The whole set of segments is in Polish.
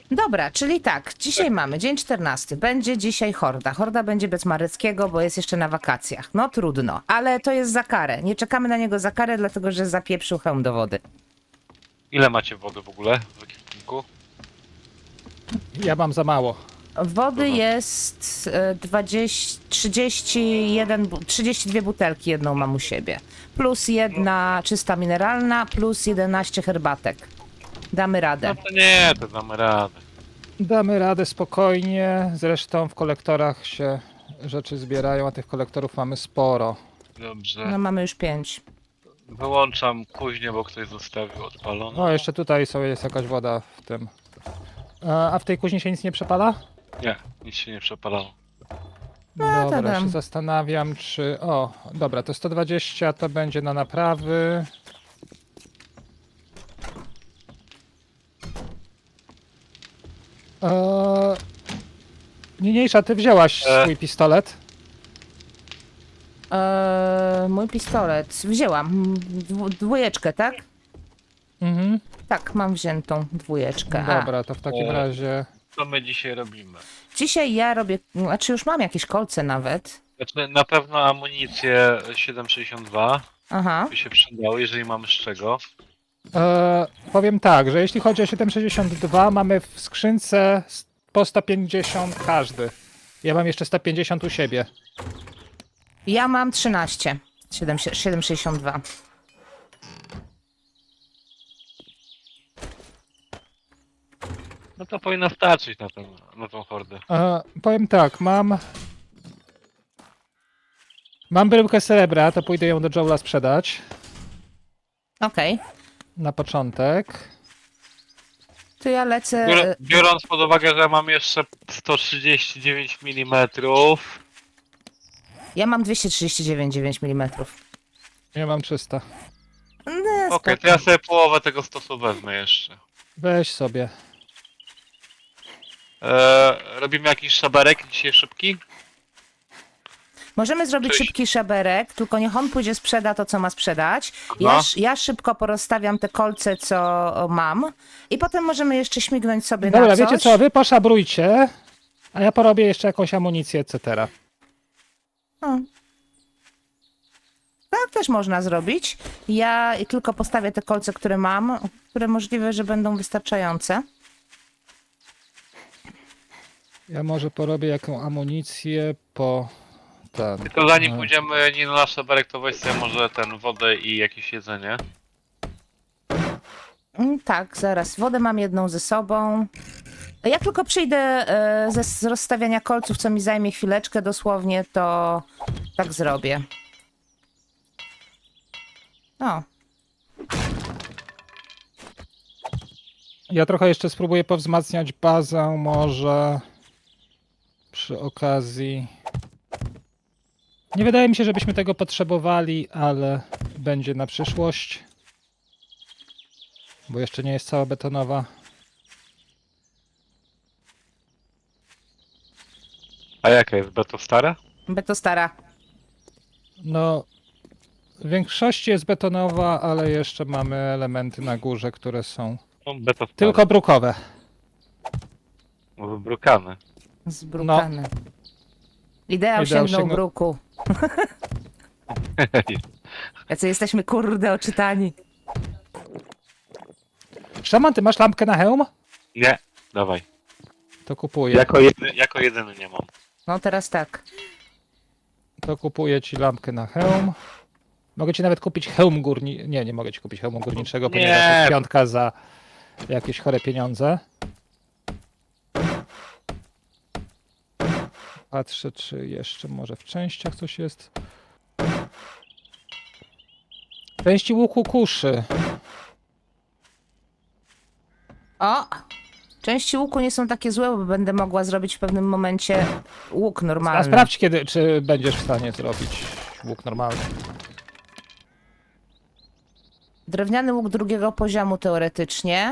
Dobra, czyli tak, dzisiaj mamy dzień 14. Będzie dzisiaj horda. Horda będzie bez Mareckiego, bo jest jeszcze na wakacjach. No trudno, ale to jest za karę. Nie czekamy na niego za karę, dlatego że zapieprzył hełm do wody. Ile macie wody w ogóle w ekwipunku? Ja mam za mało. Wody Dobra. jest 32 butelki, jedną mam u siebie. Plus jedna czysta mineralna, plus 11 herbatek. Damy radę. No to nie, to damy radę. Damy radę spokojnie. Zresztą w kolektorach się rzeczy zbierają, a tych kolektorów mamy sporo. Dobrze. No mamy już 5. Wyłączam kuźnię, bo ktoś zostawił odpaloną. O, jeszcze tutaj jest jakaś woda w tym. A w tej kuźni się nic nie przepala? Nie, nic się nie przepalało. Dobra, tadam. się zastanawiam, czy... O, dobra, to 120 to będzie na naprawy. Niniejsza, ty wzięłaś swój pistolet. Mój pistolet. Wzięłam. Dwójeczkę, tak? Mhm. Tak, mam wziętą dwójeczkę. A, Dobra, to w takim razie... Co my dzisiaj robimy? dzisiaj ja robię, znaczy już mam jakieś kolce nawet. Znaczy, na pewno amunicję 7,62 Aha. by się przydało, jeżeli mamy z czego. Powiem tak, że jeśli chodzi o 762, mamy w skrzynce po 150 każdy. Ja mam jeszcze 150 u siebie. Ja mam 13. 7,62. No to powinno starczyć na tą hordę. Powiem tak, mam bryłkę srebra, to pójdę ją do Joela sprzedać Okej. na początek. To ja lecę. Biorąc pod uwagę, że mam jeszcze 139 mm, Ja mam 239,9 mm. Ja mam 300. okej, to ja sobie połowę tego stosu wezmę jeszcze. Weź sobie. Robimy jakiś szaberek dzisiaj szybki? Możemy zrobić Cześć. szybki szaberek, tylko niech on pójdzie sprzeda to, co ma sprzedać. No. Ja szybko porozstawiam te kolce, co mam. I potem możemy jeszcze śmignąć sobie Dobra, na coś. wiecie co, wy poszabrujcie, a ja porobię jeszcze jakąś amunicję, etc. Tak też można zrobić. Ja tylko postawię te kolce, które mam, które możliwe, że będą wystarczające. Ja może porobię jaką amunicję po ten. Tylko zanim pójdziemy nie na szaberek, to weź sobie może wodę i jakieś jedzenie. Tak, zaraz. Wodę mam jedną ze sobą. Jak tylko przyjdę z rozstawiania kolców, co mi zajmie chwileczkę dosłownie, to tak zrobię. O, Ja trochę jeszcze spróbuję powzmacniać bazę, może przy okazji. Nie wydaje mi się, żebyśmy tego potrzebowali, ale będzie na przyszłość. Bo jeszcze nie jest cała betonowa. A jaka jest beto stara? beto stara. No, w większości jest betonowa, ale jeszcze mamy elementy na górze, które są No, beto stara. tylko brukowe. Wybrukany. Zbrukane. Ideał Ideał sięgnął sięgnął- bruku. Jacy jesteśmy kurde oczytani. Szaman, ty masz lampkę na hełm? Nie, dawaj. To kupuję. Jako jedyny nie mam. No teraz tak. To kupuję ci lampkę na hełm. Mogę ci nawet kupić hełm górniczy. Nie mogę ci kupić hełmu górniczego, Nie. ponieważ jest piątka za jakieś chore pieniądze. Patrzę, czy jeszcze może w częściach coś jest. Części łuku kuszy. O! Części łuku nie są takie złe, bo będę mogła zrobić w pewnym momencie łuk A normalny. sprawdź, czy będziesz w stanie zrobić łuk normalny. Drewniany łuk drugiego poziomu teoretycznie.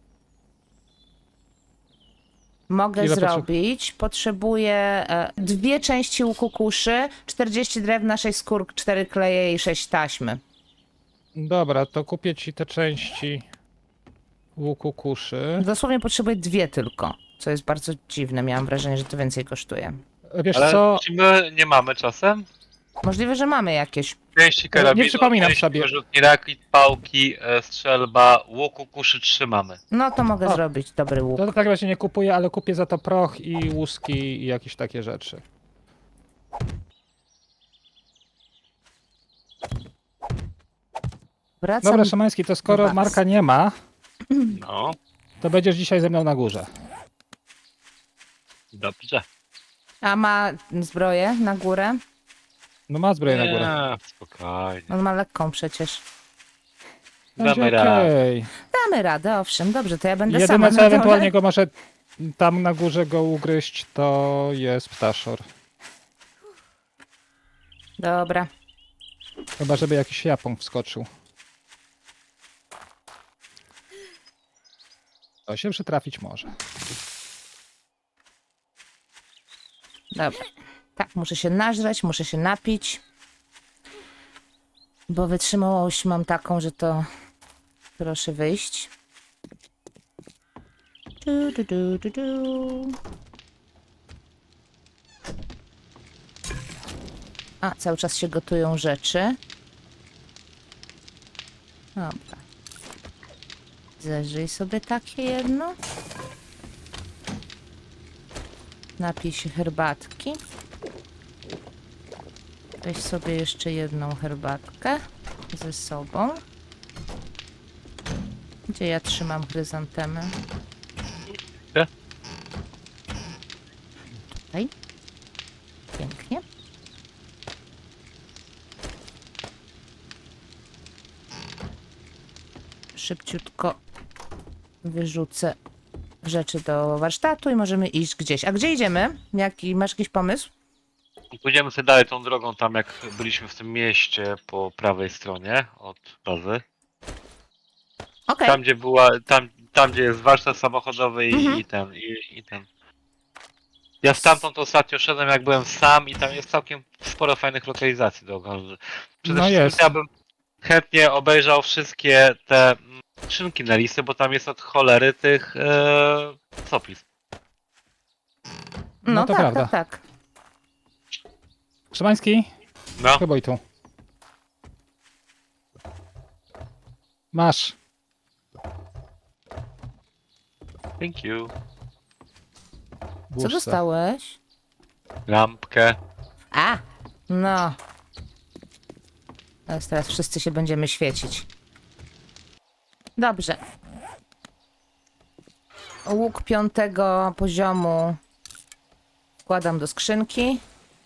Mogę Ile zrobić. Potrzebuję 2 części łuku kuszy, 40 drewna, 6 skór, 4 kleje i 6 taśmy. Dobra, to kupię ci te części łuku kuszy. Dosłownie potrzebuję 2 tylko, co jest bardzo dziwne. Miałam wrażenie, że to więcej kosztuje. Wiesz Ale co, czy my nie mamy czasem? Możliwe, że mamy jakieś. Pięści karabinu, przypominam pięści sobie. wyrzutni rakit, pałki, strzelba, łuku kuszy trzymamy. No to mogę O. zrobić dobry łuk. to tak razie nie kupuję, ale kupię za to proch i łuski i jakieś takie rzeczy. Wracam. Dobra, Szymański, to skoro Max. Marka nie ma, No, to będziesz dzisiaj ze mną na górze. dobrze. A ma zbroję na górę? No ma zbroję na górę. Nie, spokojnie. On ma lekką przecież. Będzie Damy radę. okej. Damy radę, owszem, dobrze, to ja będę sama Jedyne na co ewentualnie dole. go może tam na górze go ugryźć, to jest ptaszor. Dobra. Chyba żeby jakiś Japon wskoczył. To się przytrafić może. Dobra. Tak, muszę się nażreć, muszę się napić. Bo wytrzymałość mam taką, że to... Proszę wyjść. Du. A, cały czas się gotują rzeczy. Dobra. Zeżyj sobie takie jedno. Napij się herbatki. Weź sobie jeszcze jedną herbatkę ze sobą. Gdzie ja trzymam chryzantemę? Gdzie? Tutaj. Pięknie. Szybciutko wyrzucę rzeczy do warsztatu i możemy iść gdzieś. A gdzie idziemy? Masz jakiś pomysł? Pójdziemy sobie dalej tą drogą tam jak byliśmy w tym mieście po prawej stronie od bazy. Okej. Tam gdzie była, tam gdzie jest warsztat samochodowy Mhm. i ten. Ja stamtąd ostatnio szedłem jak byłem sam i tam jest całkiem sporo fajnych lokalizacji do oglądania. Przede No wszystkim jest. ja bym chętnie obejrzał wszystkie te skrzynki na listy, bo tam jest od cholery tych soplis. No, No to tak, prawda. tak, tak. Szymański, No, chyba i tu. Masz. thank you. Co Włóż se. dostałeś? Lampkę. A! No. Teraz wszyscy się będziemy świecić. Dobrze. Łuk 5. poziomu wkładam do skrzynki.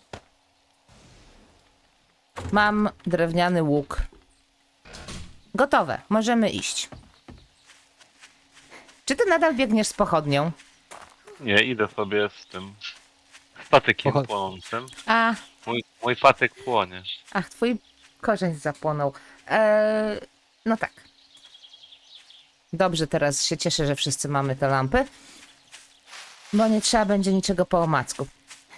Mam drewniany łuk. Gotowe. Możemy iść. Czy ty nadal biegniesz z pochodnią? Nie, idę sobie z tym z patykiem Pochod- płonącym. A, Mój patyk płonie. ach, twój korzeń zapłonął. No tak. Dobrze, teraz się cieszę, że wszyscy mamy te lampy. Bo nie trzeba będzie niczego po omacku.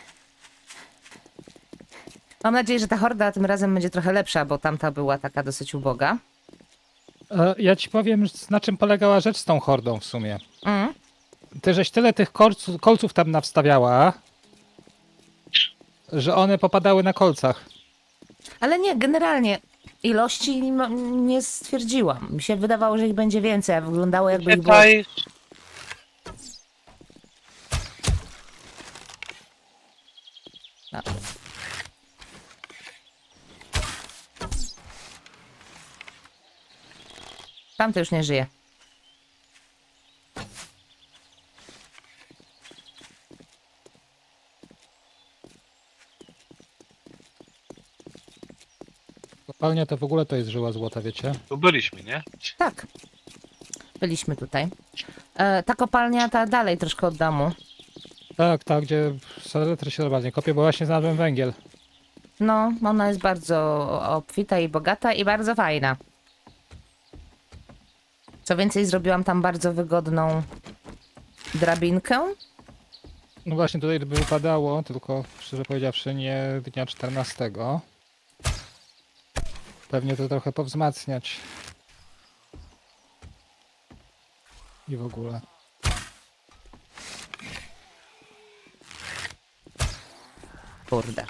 Mam nadzieję, że ta horda tym razem będzie trochę lepsza, bo tamta była taka dosyć uboga. Ja ci powiem, na czym polegała rzecz z tą hordą w sumie. Mm. Ty żeś tyle tych kolców tam nawstawiała, że one popadały na kolcach. Ale nie, generalnie ilości nie stwierdziłam. Mi się wydawało, że ich będzie więcej, a wyglądało jakby ich było... Czytaj. No. Tamty już nie żyje. Kopalnia to w ogóle to jest żyła złota, wiecie? Tu byliśmy, nie? Tak. Byliśmy tutaj. Ta kopalnia, ta dalej troszkę od domu. Tak, tak, gdzie saletry się bardziej kopie, bo właśnie znalazłem węgiel. No, ona jest bardzo obfita i bogata i bardzo fajna. Co więcej, zrobiłam tam bardzo wygodną drabinkę. No właśnie tutaj by wypadało, tylko szczerze powiedziawszy nie dnia 14. Pewnie to trochę powzmacniać. i w ogóle. Kurde.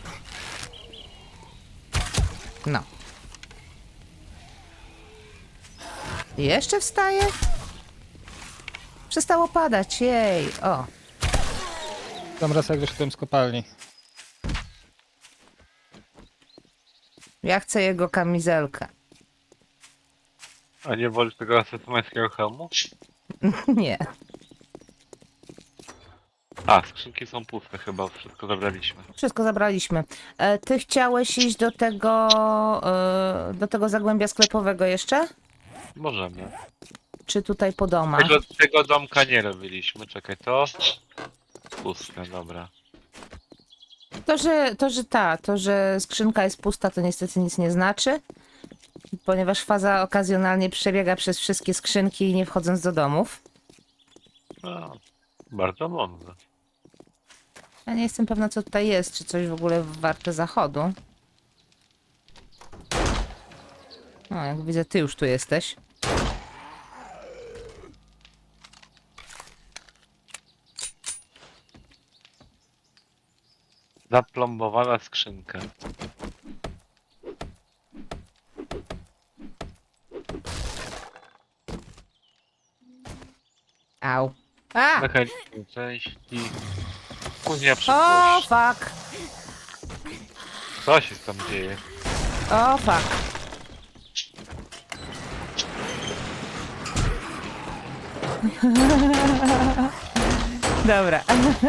No. Jeszcze wstaje? Przestało padać, jej. O, Tam raz jak wyszedłem z kopalni. ja chcę jego kamizelkę. A nie wolisz tego asesymańskiego hełmu? Nie. A, skrzynki są puste chyba, wszystko zabraliśmy. Wszystko zabraliśmy. Ty chciałeś iść do tego zagłębia sklepowego jeszcze? Możemy. Czy tutaj po domach? Tego domka nie robiliśmy, czekaj, to... Puste, dobra. To, że skrzynka jest pusta, to niestety nic nie znaczy, ponieważ faza okazjonalnie przebiega przez wszystkie skrzynki, nie wchodząc do domów. No, bardzo mądre. Ja nie jestem pewna, co tutaj jest, czy coś w ogóle warte zachodu. No, jak widzę, ty już tu jesteś. Zaplombowana skrzynka. Au. A! Mechaniczne części. Później O, przyszłość. fuck! Co się tam dzieje? O, fuck. Dobra.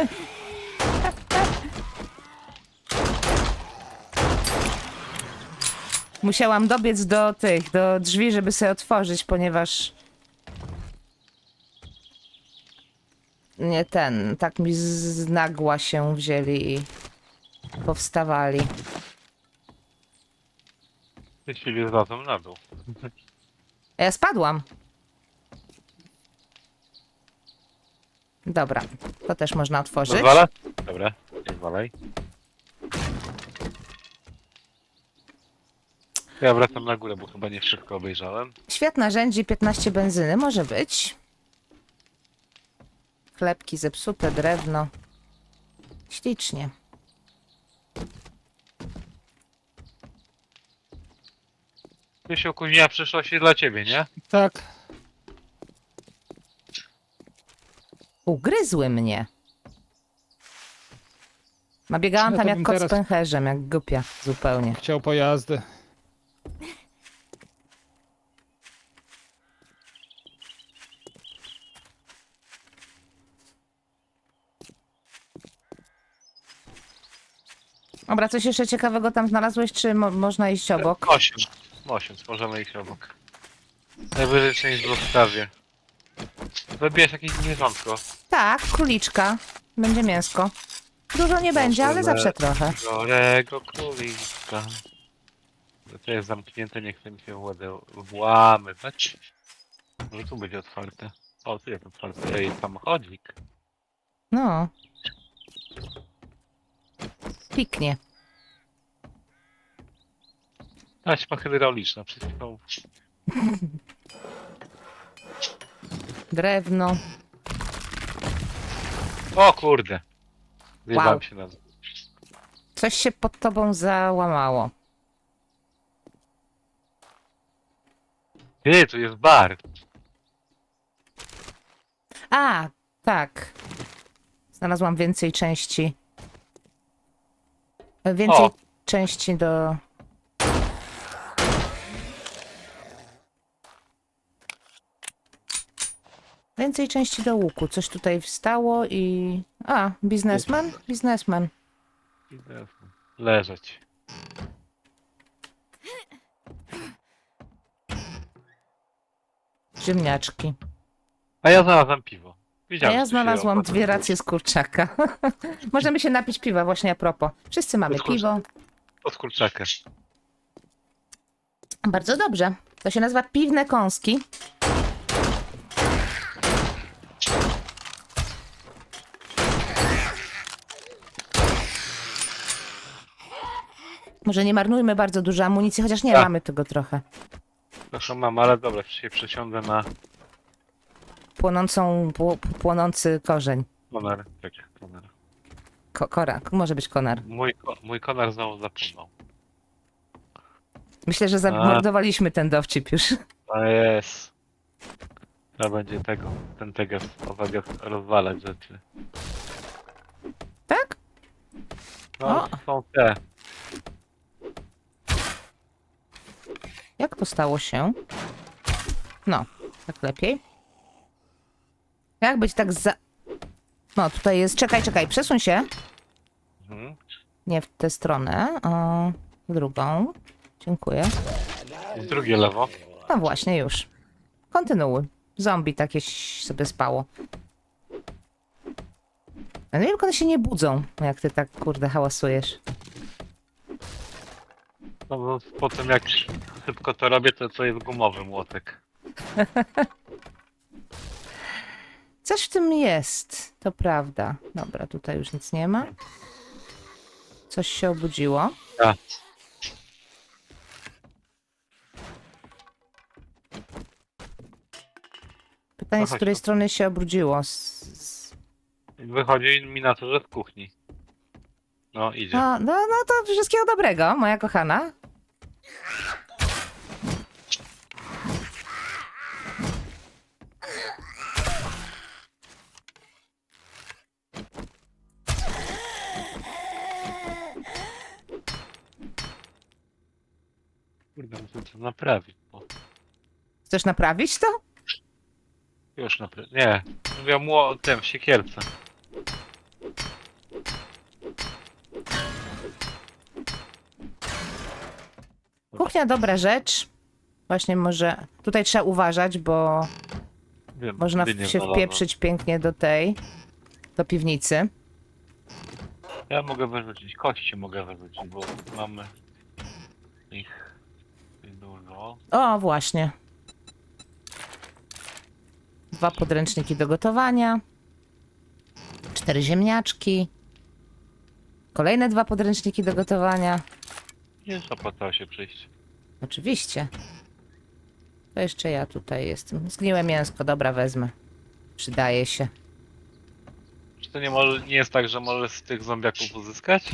Musiałam dobiec do drzwi, żeby sobie otworzyć, ponieważ... Nie tak mi z nagła się wzięli i powstawali. Myśleli zlazłem na dół. A ja spadłam. Dobra, to też można otworzyć. Pozwala? Dobra, nie walej. Ja wracam na górę, bo chyba nie wszystko obejrzałem. Świat narzędzi, 15 benzyny, może być. Chlebki zepsute, drewno. Ślicznie. Myśl opóźnienia przyszłości dla ciebie, nie? Tak, Ugryzły mnie. Biegałam No tam to jak bym kot z teraz- pęcherzem, jak głupia zupełnie. chciał pojazdy. Dobra, coś jeszcze ciekawego tam znalazłeś, czy można iść obok? 8. 8, możemy iść obok. Najwyżej część w zostawie. Zabijesz jakieś zwierzątko. Tak, króliczka. Będzie mięsko. Dużo nie będzie, ale zawsze trochę. Chorego królika. To jest zamknięte, nie chce mi się włamywać. Może tu będzie otwarte. O, tu jest otwarte. Ej, samochodzik. No. Piknie. Taśma hydrauliczna, wszystko. Drewno. O kurde. Zjebałem Wow. się na... Coś się pod tobą załamało. Ty, tu jest bar. A, tak. Znalazłam więcej części. Więcej O. części do... Więcej części do łuku. Coś tutaj wstało i... A, biznesmen? Biznesmen. Leżeć. Ziemniaczki. A ja znalazłem piwo. A Widziałem, ja że tu się znalazłam opłaca 2 racje z kurczaka. Możemy się napić piwa właśnie a propos. Wszyscy mamy Z kurczaka. piwo. Od kurczaka. Bardzo dobrze. To się nazywa piwne kąski. Może nie marnujmy bardzo dużo amunicji, chociaż nie, Tak. mamy tego trochę. Proszę mam, ale dobra, się przesiądę na płonący korzeń. Konar, tak, konar. Kora, może być konar. Mój konar znowu zapomniał. Myślę, że zamordowaliśmy ten dowcip już. A jest. Trzeba będzie ten teges owego rozwalać rzeczy. Tak? No, O. są te. Jak to stało się? No, tak lepiej. Jak być tak za... No, tutaj jest... Czekaj, przesuń się. Mhm. Nie w tę stronę, a w drugą. Dziękuję. I drugie lewo. No właśnie, już. Kontynuuj. Zombie takie sobie spało. Ja nie wiem, jak one się nie budzą, jak ty tak, kurde, hałasujesz. No bo po tym jak szybko to robię, to jest gumowy młotek. Coś w tym jest, to prawda. Dobra, tutaj już nic nie ma. Coś się obudziło. A, Pytanie, z chodź której tu. strony się obrudziło. wychodzi mi na to, że w kuchni. No, idzie. No to wszystkiego dobrego, moja kochana. Kurde, muszę to naprawić, bo Chcesz naprawić to? już naprawić. Nie, mówię mu tym, w siekierce. Kuchnia dobra rzecz. Właśnie może... Tutaj trzeba uważać, bo Wiem, można dynię się znalazłem. wpieprzyć pięknie do piwnicy. Ja mogę wyrzucić, kości mogę wyrzucić, bo mamy ich dużo. O, właśnie. 2 podręczniki do gotowania. 4 ziemniaczki. Kolejne 2 podręczniki do gotowania. Nie opłacało się przyjść. Oczywiście. To jeszcze ja tutaj jestem. Zgniłe mięsko, dobra, wezmę. Przydaje się. Czy to nie jest tak, że możesz z tych zombiaków uzyskać?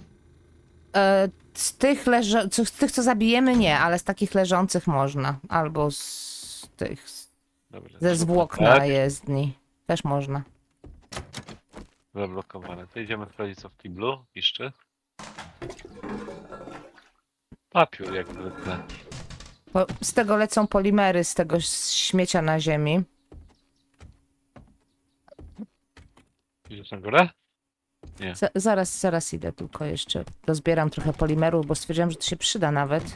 Z tych, co zabijemy, nie, ale z takich leżących można. Albo z tych, Dobra, ze zwłok na tak, jezdni. Też można. zablokowane. To idziemy sprawdzić co w kiblu. Piszczy. Papier jak zwykle. Z tego lecą polimery, z tego śmiecia na ziemi. Idziesz na górę? Nie. Zaraz idę, tylko jeszcze dozbieram trochę polimerów, bo stwierdziłam, że to się przyda nawet.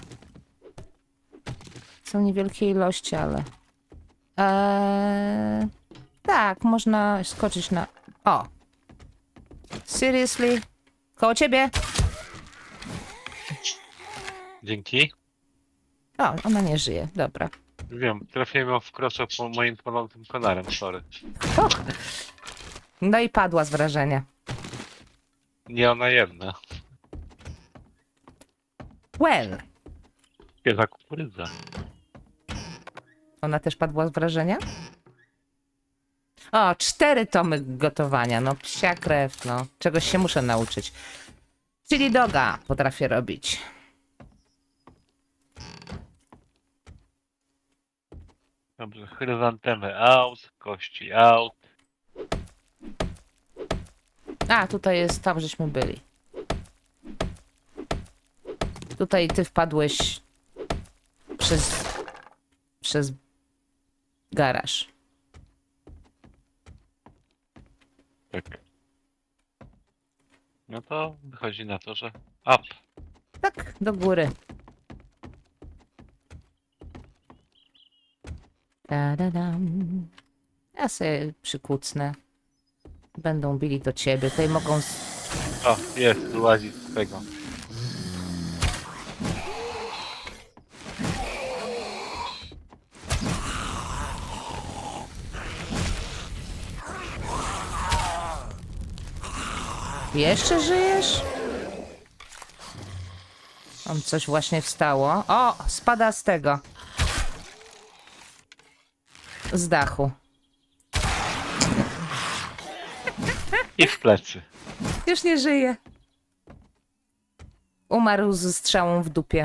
Są niewielkie ilości, ale... Tak, można skoczyć na... O! Seriously? Koło ciebie? Dzięki. O, ona nie żyje, dobra. Wiem, trafiłem ją w krocze po moim płonącym konarem, sorry. No i padła z wrażenia. Nie ona jedna. Well! Świeża kukurydza. Ona też padła z wrażenia? O, 4 tomy gotowania. No, psia krew, no. Czegoś się muszę nauczyć. Chili doga potrafię robić. Dobrze, chryzantemy out, kości out. A, tutaj jest, tam żeśmy byli. Tutaj ty wpadłeś przez garaż. Tak. No to wychodzi na to, że up. Tak, do góry. Ta-da-dam. Ja sobie przykucnę. Będą bili do ciebie. Tutaj mogą... O, jest, łazi z tego. Jeszcze żyjesz? Tam coś właśnie wstało. O, spada z tego. Z dachu. I w plecy. Już nie żyje. Umarł ze strzałą w dupie.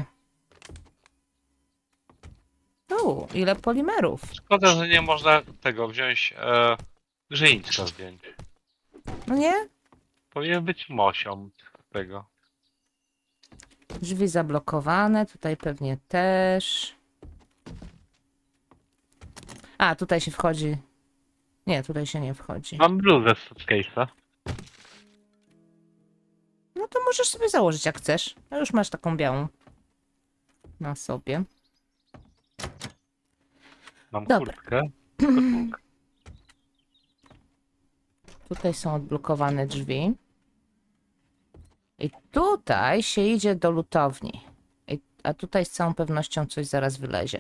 Ile polimerów. Szkoda, że nie można tego wziąć, grzyńca zdjąć. No nie? Powinien być mosią tego. Drzwi zablokowane, tutaj pewnie też. A, tutaj się wchodzi. Nie, tutaj się nie wchodzi. Mam bluzę z suitcase'a. No to możesz sobie założyć jak chcesz. No już masz taką białą na sobie. Mam Dobra. kurtkę. Koszulkę. Tutaj są odblokowane drzwi. I tutaj się idzie do lutowni. A tutaj z całą pewnością coś zaraz wylezie.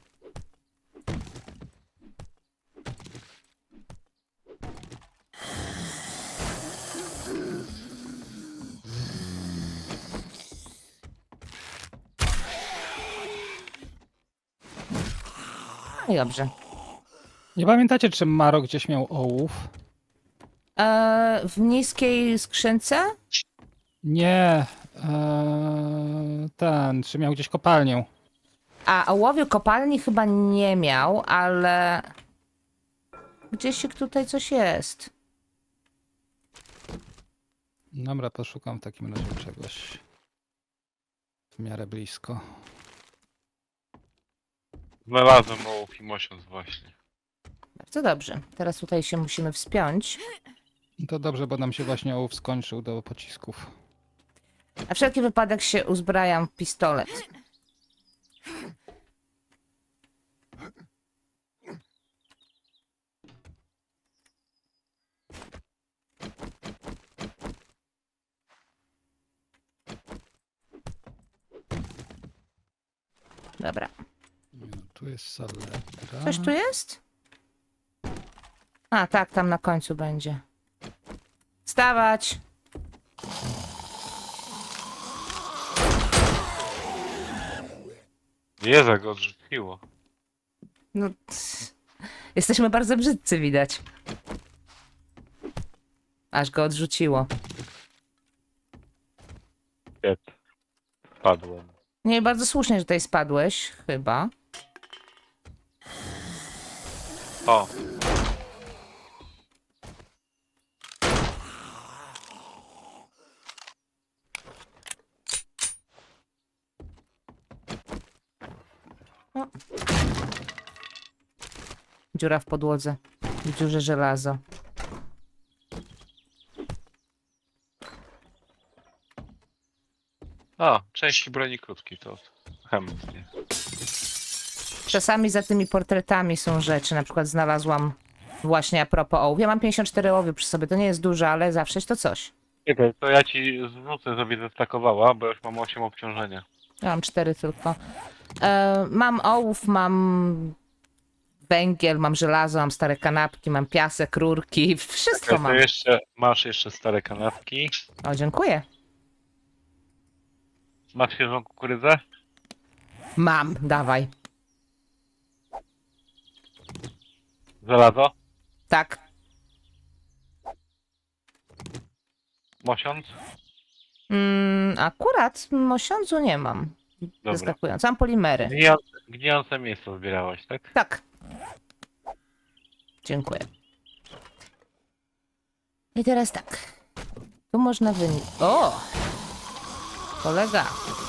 No i dobrze. Nie pamiętacie, czy Maro gdzieś miał ołów? W niskiej skrzynce? Nie. Czy miał gdzieś kopalnię? A ołowiu kopalni chyba nie miał, ale gdzieś tutaj coś jest. Dobra, poszukam w takim razie czegoś. W miarę blisko. Znalazłem ołów i mosiąc właśnie. Bardzo dobrze. Teraz tutaj się musimy wspiąć. To dobrze, bo nam się właśnie ołów skończył do pocisków. Na wszelki wypadek się uzbrajam w pistolet. Dobra. Tu jest saletra. Coś tu jest? A, tak, tam na końcu będzie. Wstawać! Jezu, go odrzuciło. No, jesteśmy bardzo brzydcy, widać. Aż go odrzuciło. Piet. Spadłem. Nie, bardzo słusznie, że tutaj spadłeś, chyba. O! Dziura w podłodze. W dziurze żelazo. O, części broni krótkiej, to chętnie. Czasami za tymi portretami są rzeczy. Na przykład znalazłam właśnie a propos ołów. Ja mam 54 ołów przy sobie. To nie jest dużo, ale zawsze to coś. Czekaj, to ja ci zwrócę, żeby zestakowała, bo już mam 8 obciążenia. Ja mam 4 tylko. Mam ołów, mam węgiel, mam żelazo, mam stare kanapki, mam piasek, rurki. Wszystko Czekaj, to mam. jeszcze, masz jeszcze stare kanapki. O, dziękuję. Masz świeżą kukurydzę? Mam, dawaj. Żelazo? Tak. Mosiąc? Akurat mosiądzu nie mam. Dobra. Zaskakując. Mam polimery. Gnijące mięso zbierałaś, tak? Tak. Dziękuję. I teraz tak. Tu można wynieść. O! Kolega.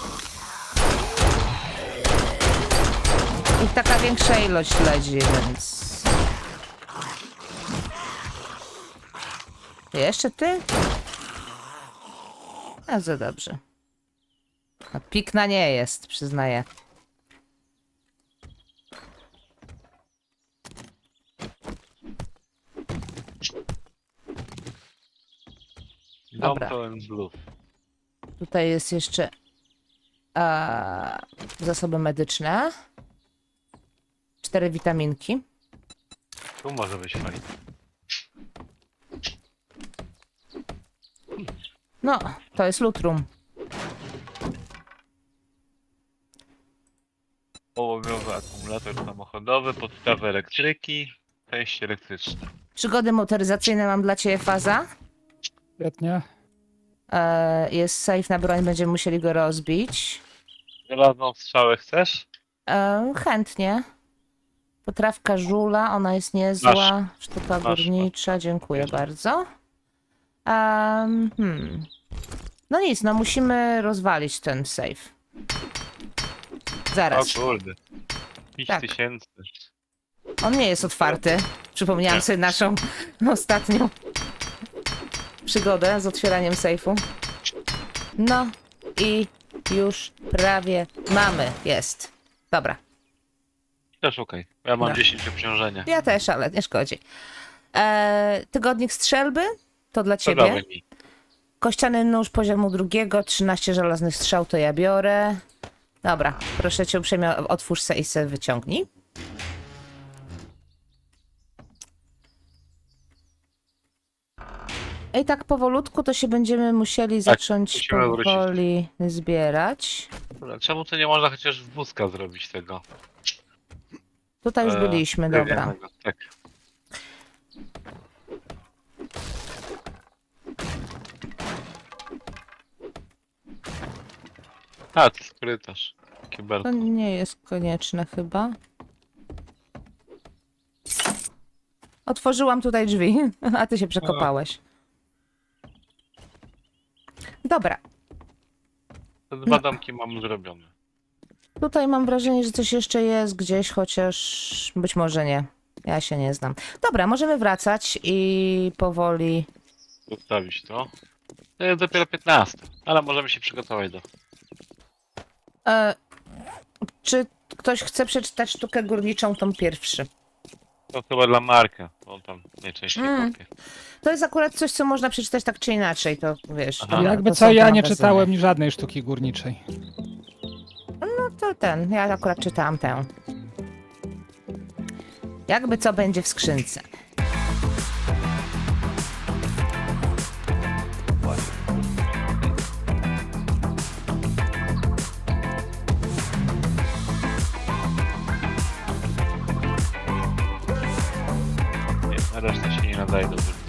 Ich taka większa ilość leci, więc... Jeszcze ty? Bardzo dobrze. No, pikna nie jest, przyznaję. Dom Dobra. pełen blues. Tutaj jest jeszcze zasoby medyczne. 4 witaminki. Tu może być fajnie. No, to jest lutrum. Połowowy akumulator samochodowy, podstawy elektryki, części elektryczne. Przygody motoryzacyjne mam dla ciebie, Faza. Świetnie. Jest safe na broń, będziemy musieli go rozbić. Żelazną strzałę chcesz? Chętnie. Potrawka żula, ona jest niezła. Sztuka Masz. górnicza, dziękuję Bierz. bardzo. No nic, no musimy rozwalić ten safe. Zaraz. O kurde. 5000. On nie jest otwarty. Przypomniałam Nie. sobie naszą ostatnią przygodę z otwieraniem sejfu. No i już prawie mamy. Jest. Dobra. Też okej. Ja mam No. 10 obciążenia. Ja też, ale nie szkodzi. Tygodnik strzelby to dla To ciebie. dawaj mi. Kościany nóż poziomu 2, 13 żelaznych strzał to ja biorę. Dobra, proszę cię uprzejmie, otwórz se i se wyciągnij. I tak powolutku to się będziemy musieli zacząć musimy wrócić. powoli zbierać. Dobra, czemu to nie można chociaż w wózka zrobić tego? Tutaj już byliśmy, dobra. drewnianego? Tak. A, to jest korytarz. Kibelko. To nie jest konieczne chyba. Otworzyłam tutaj drzwi, a ty się przekopałeś. Dobra, Te dwa domki mam zrobione. tutaj mam wrażenie, że coś jeszcze jest gdzieś, chociaż być może nie. Ja się nie znam. Dobra, możemy wracać i powoli... Zostawić to. To jest dopiero 15, ale możemy się przygotować do... Czy ktoś chce przeczytać sztukę górniczą, tą pierwszy? To chyba dla Marka, on tam najczęściej kopie. To jest akurat coś, co można przeczytać tak czy inaczej, to wiesz. Aha. to Jakby są co, te ja nie magazyny. czytałem żadnej sztuki górniczej. No to ten, ja akurat czytałam tę. Jakby co będzie w skrzynce. Nie, na resztę się nie nadaje do wyboru.